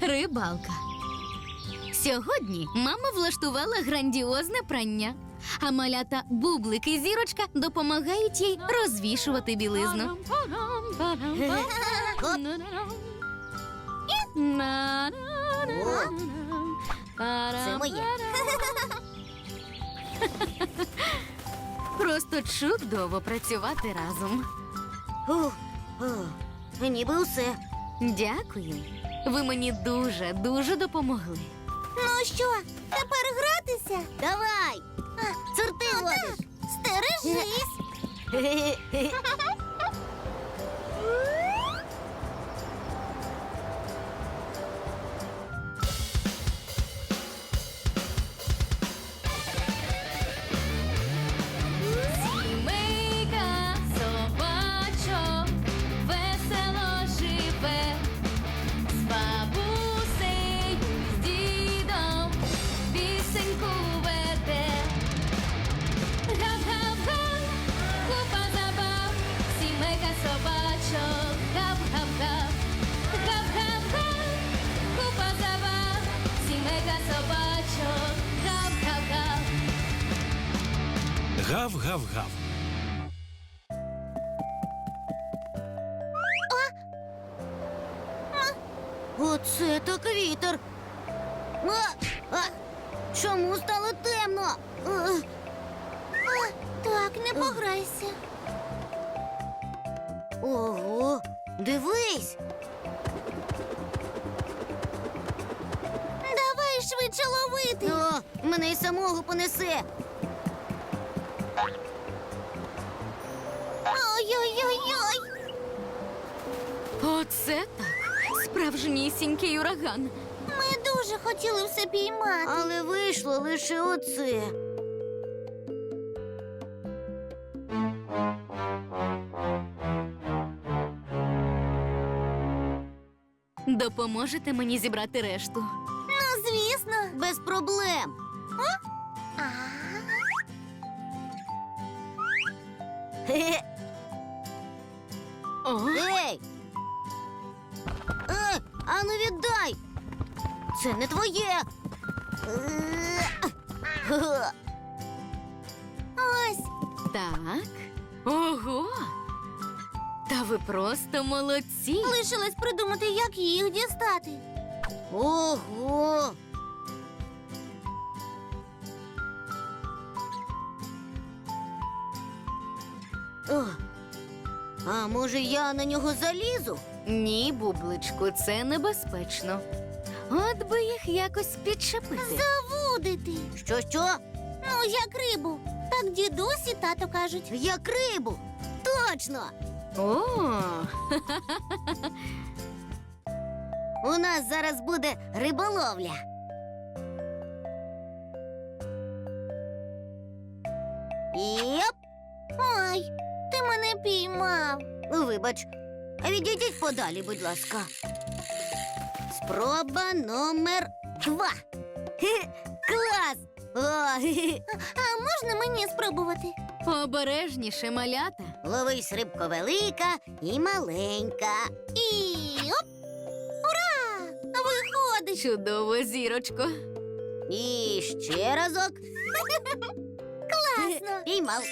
Рибалка. Сьогодні мама влаштувала грандіозне прання, а малята Бублик і Зірочка допомагають їй розвішувати білизну. Це моє. Просто чудово працювати разом. Ніби усе. Дякую. Ви мені дуже допомогли. Ну що, тепер гратися? Давай. Сорти водиш. Стережись. Сімейка собачок весело живе, з бабусею, з дідом пісеньку веде. Гап-гап-га, купа забав, сімейка собачок, гап-гап-га. Гап-гап-га, купа забав, сімейка собачок, гап-гап-га. Гав-гав-гав. Оце так вітер. Чому стало темно? Так, не пограйся. Ого, дивись. Давай швидше ловити. О, мене й самого понесе. Ой-ой-ой-ой. Оце так. Справжнісінький ураган. Ми дуже хотіли все піймати. Але вийшло лише оце. Допоможете мені зібрати решту? Ну, звісно. Без проблем. О, Ей! Ану віддай! Це не твоє! Ось! так. Ого! Та ви просто молодці. Лишилось придумати, як їх дістати. Ого! О, а може я на нього залізу? Ні, Бубличку, це небезпечно. От би їх якось підчепити. Завудити. Що? Ну, як рибу. Так дідусь і тато кажуть. Як рибу. Точно. О, У нас зараз буде риболовля. Йоп! Ой, ти мене піймав. Вибач, відійдіть подалі, будь ласка. Спроба номер 2. Клас! А можна мені спробувати? обережніше, малята. Ловись, рибко велика і маленька. І оп! Ура! Виходить! Чудово, Зірочко. І ще разок. Класно! Піймав.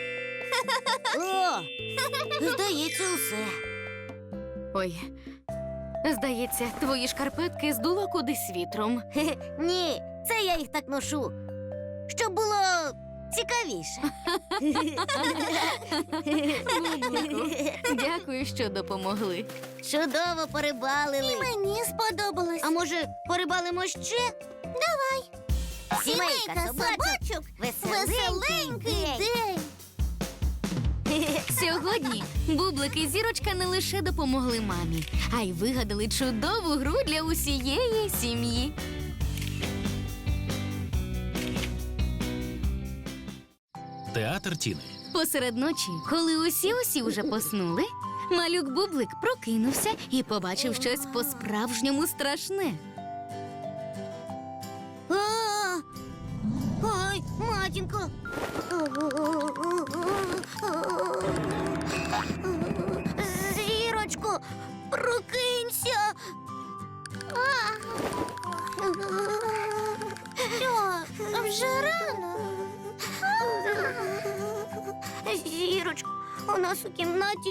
О! Здається, усе. Ой, здається, твої шкарпетки здуло кудись вітром. Ні, це я їх так ношу, щоб було цікавіше. Бублику, дякую, що допомогли. Чудово порибалили. І мені сподобалось. А може, порибалимо ще? Давай. Сімейка собачок. Веселенький день. Сьогодні Бублик і Зірочка не лише допомогли мамі, а й вигадали чудову гру для усієї сім'ї. Театр Тіни. Посеред ночі, коли усі вже поснули, малюк Бублик прокинувся і побачив щось по-справжньому страшне. Ой, матінко. Зірочко, прокинься. нас у кімнаті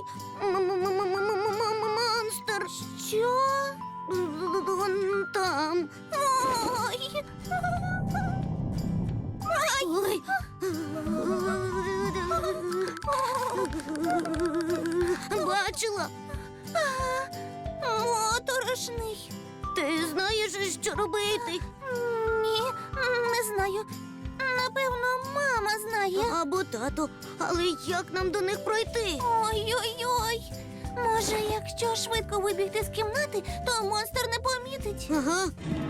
монстр. Що? Вон там. Ой. Ой. Бачила? Моторошний. Ти знаєш, що робити? Ні, не знаю. Напевно, мама знає. Або тато. Але як нам до них пройти? Ой-ой-ой. Може, якщо швидко вибігти з кімнати, то монстр не помітить. Ага.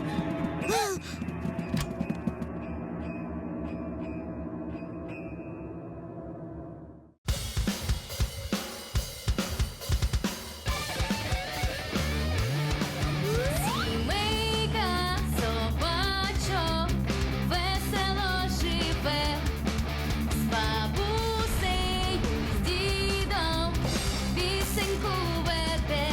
Сімейка собачок весело живе, з бабусею, з дідом пісеньку веде.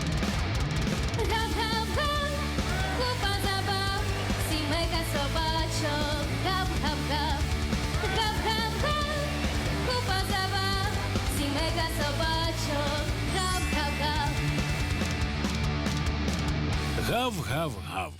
Гав-гав-га, купа забав, сімейка собачок, гав-гав-гав. Гав-гав-га, купа забав, сімейка собачок, гав-гав-гав. Гав-гав-гав.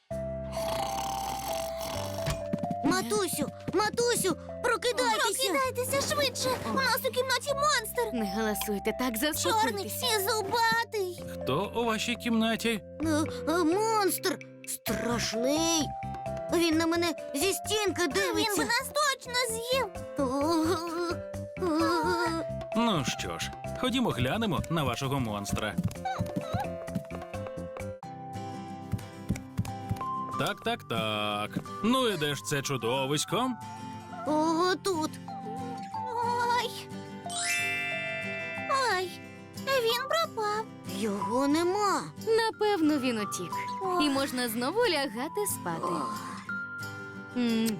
Матусю, прокидайтеся! Прокидайтеся швидше! У нас у кімнаті монстр! Не галасуйте, так Чорний заспокойтеся. і зубатий! Хто у вашій кімнаті? Монстр! Страшний! Він на мене зі стінки дивиться! Він би нас точно з'їв! Ну що ж, ходімо глянемо на вашого монстра. Так. Ну і де ж це чудовисько? Ого, тут! Ой! Він пропав! Його нема! Напевно, він утік. Ох. І можна знову лягати спати. М.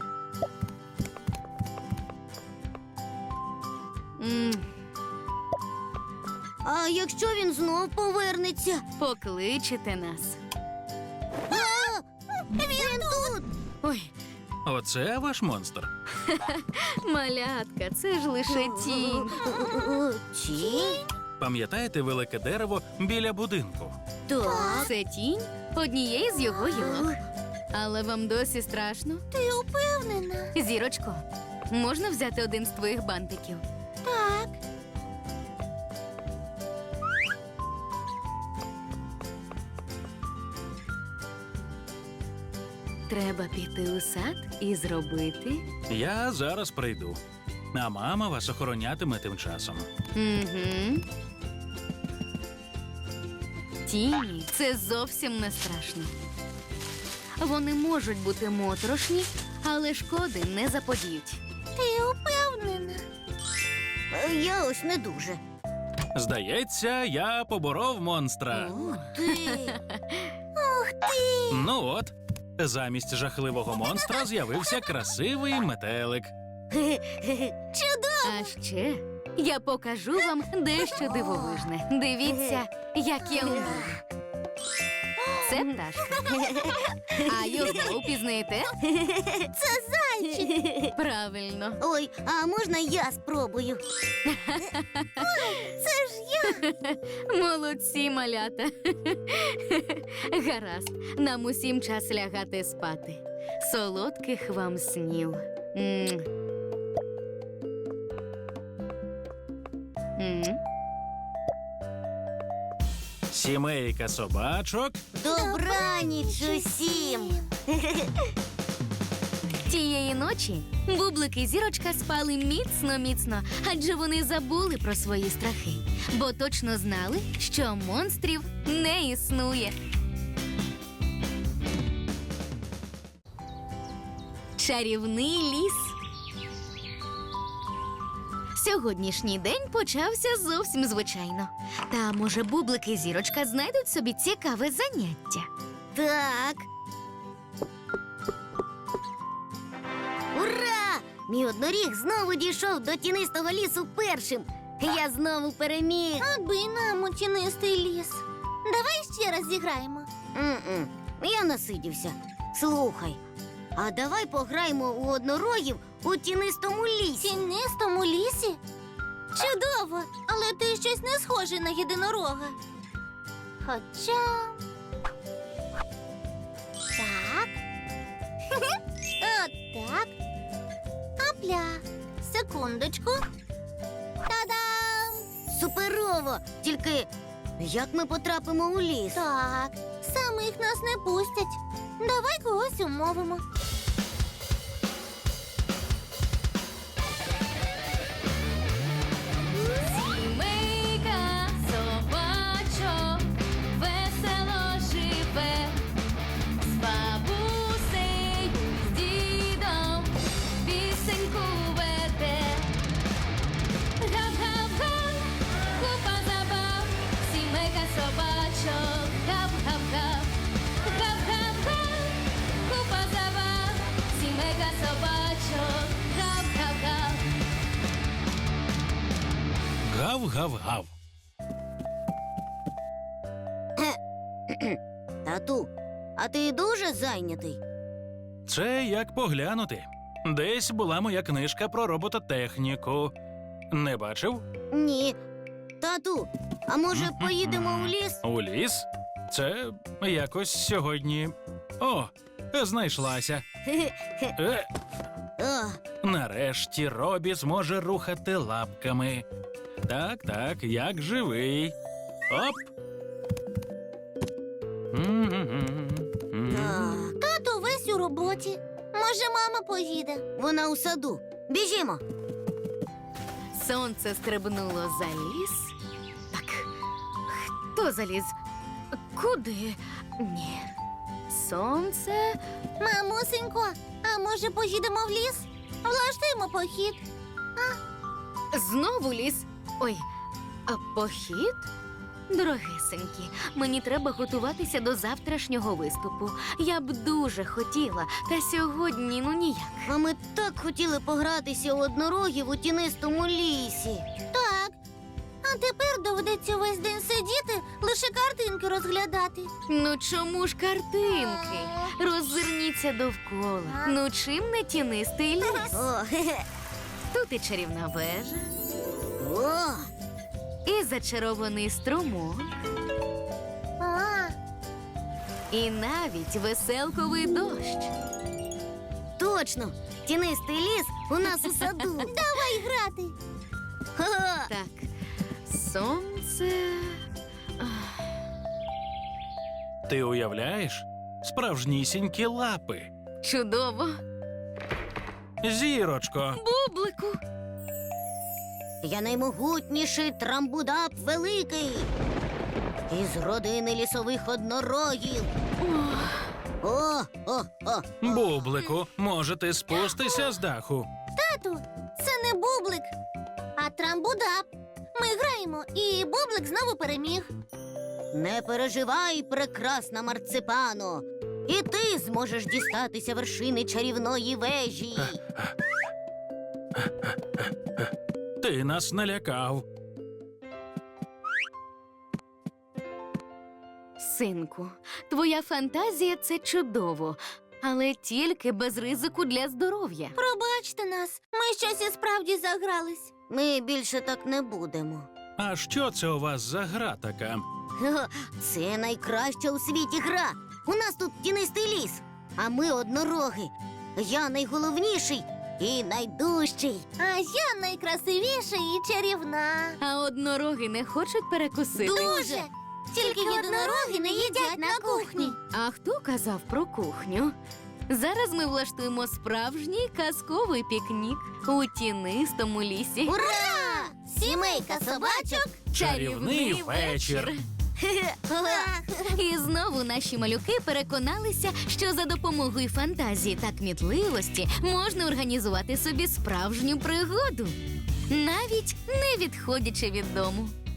М. А якщо він знов повернеться? Покличете нас. Він тут! Ой, Оце ваш монстр. малятка, це ж лише тінь. Тінь? Пам'ятаєте велике дерево біля будинку? Так. Це тінь однієї з його гілок. Але вам досі страшно? Ти упевнена? Зірочко, можна взяти один з твоїх бантиків? Так. Треба піти у сад і зробити. Я зараз прийду. А мама вас охоронятиме тим часом. Угу. Тіні це зовсім не страшно. Вони можуть бути моторошні, але шкоди не заподіють. Ти упевнена? Я ось не дуже. Здається, я поборов монстра. Ти. Ух ти! Ну от, замість жахливого монстра з'явився красивий метелик. Чудово! А ще я покажу вам дещо дивовижне. Дивіться, як я вмію. Це пташка. А його впізнаєте? Це зайчик! Правильно. Ой, а можна я спробую? Це ж я! Молодці, малята. Гаразд, нам усім час лягати спати. Солодких вам снів. М. М. Сімейка собачок. Добраніч усім! Тієї ночі Бублик і Зірочка спали міцно-міцно, адже вони забули про свої страхи, бо точно знали, що монстрів не існує. Чарівний ліс. Сьогоднішній день почався зовсім звичайно. Та, може, Бублик і Зірочка знайдуть собі цікаве заняття. Так. Ура! Мій одноріг знову дійшов до тінистого лісу першим. Я знову переміг. Аби нам у тінистий ліс. Давай ще раз зіграємо. Я насидівся. Слухай, а давай пограємо у однорогів у тінистому лісі. Тінистому лісі? Чудово, але ти щось не схожий на єдинорога. Хоча. Так. Отак. Апля. Секундочку. Та-дам! Суперово! Тільки як ми потрапимо у ліс? Так, самих нас не пустять. Давай когось умовимо. Сімейка собачок весело живе, з бабусею, з дідом пісеньку веде. Гав-гав-га, купа забав, сімейка собачок, гав-гав-гав. Гав-гав-га, купа забав, сімейка собачок, гав-гав-гав. Гав-гав-гав. Тату, а ти дуже зайнятий? Це як поглянути. Десь була моя книжка про робототехніку. Не бачив? Ні. Тату, а може поїдемо у ліс? У ліс? Це якось сьогодні. О, знайшлася. О, Нарешті Робі зможе рухати лапками. Так, так, як живий. Оп. так. Тато весь у роботі. Може, мама поїде. Вона у саду. Біжімо. Сонце стрибнуло за ліс. Так, хто заліз? Куди? Ні. Сонце. Мамусенько, а може поїдемо в ліс? Влаштуємо похід. Знову ліс. Ой, а похід? Дорогесенькі, мені треба готуватися до завтрашнього виступу. Я б дуже хотіла, та сьогодні ну ніяк. А ми так хотіли погратися у однорогів у тінистому лісі. Так. А тепер доведеться весь день сидіти, лише картинки розглядати. Ну чому ж картинки? Роззирніться довкола. Ну чим не тінистий ліс? О, хе-хе. Тут і чарівна вежа, О, і зачарований струмок, А, і навіть веселковий дощ. точно. Тінистий ліс у нас у саду. давай грати. Ха-ха. Так, сонце. Ти уявляєш? Справжнісінькі лапи. Чудово. Зірочко. Бублику. Я наймогутніший трамбудап великий. Із родини лісових однорогів. О, о, о. Бублику, може ти спустися з даху? Тату, це не бублик, а трамбудап. Ми граємо, і бублик знову переміг. Не переживай, прекрасна марципано. І ти зможеш дістатися вершини чарівної вежі. Ти нас налякав. Синку, твоя фантазія це чудово, але тільки без ризику для здоров'я. Пробачте нас, ми щось і справді загрались. Ми більше так не будемо. А що це у вас за гра така? Ха-ха, це найкраща у світі гра. У нас тут тінистий ліс, а ми однороги. Я найголовніший і найдужчий. А я найкрасивіша і чарівна. А однороги не хочуть перекусити. Дуже! Тільки єдинороги не їдять на кухні. А хто казав про кухню? Зараз ми влаштуємо справжній казковий пікнік у тінистому лісі. Ура! Сімейка собачок. Чарівний вечір. І знову наші малюки переконалися, що за допомогою фантазії та кмітливості можна організувати собі справжню пригоду, навіть не відходячи від дому.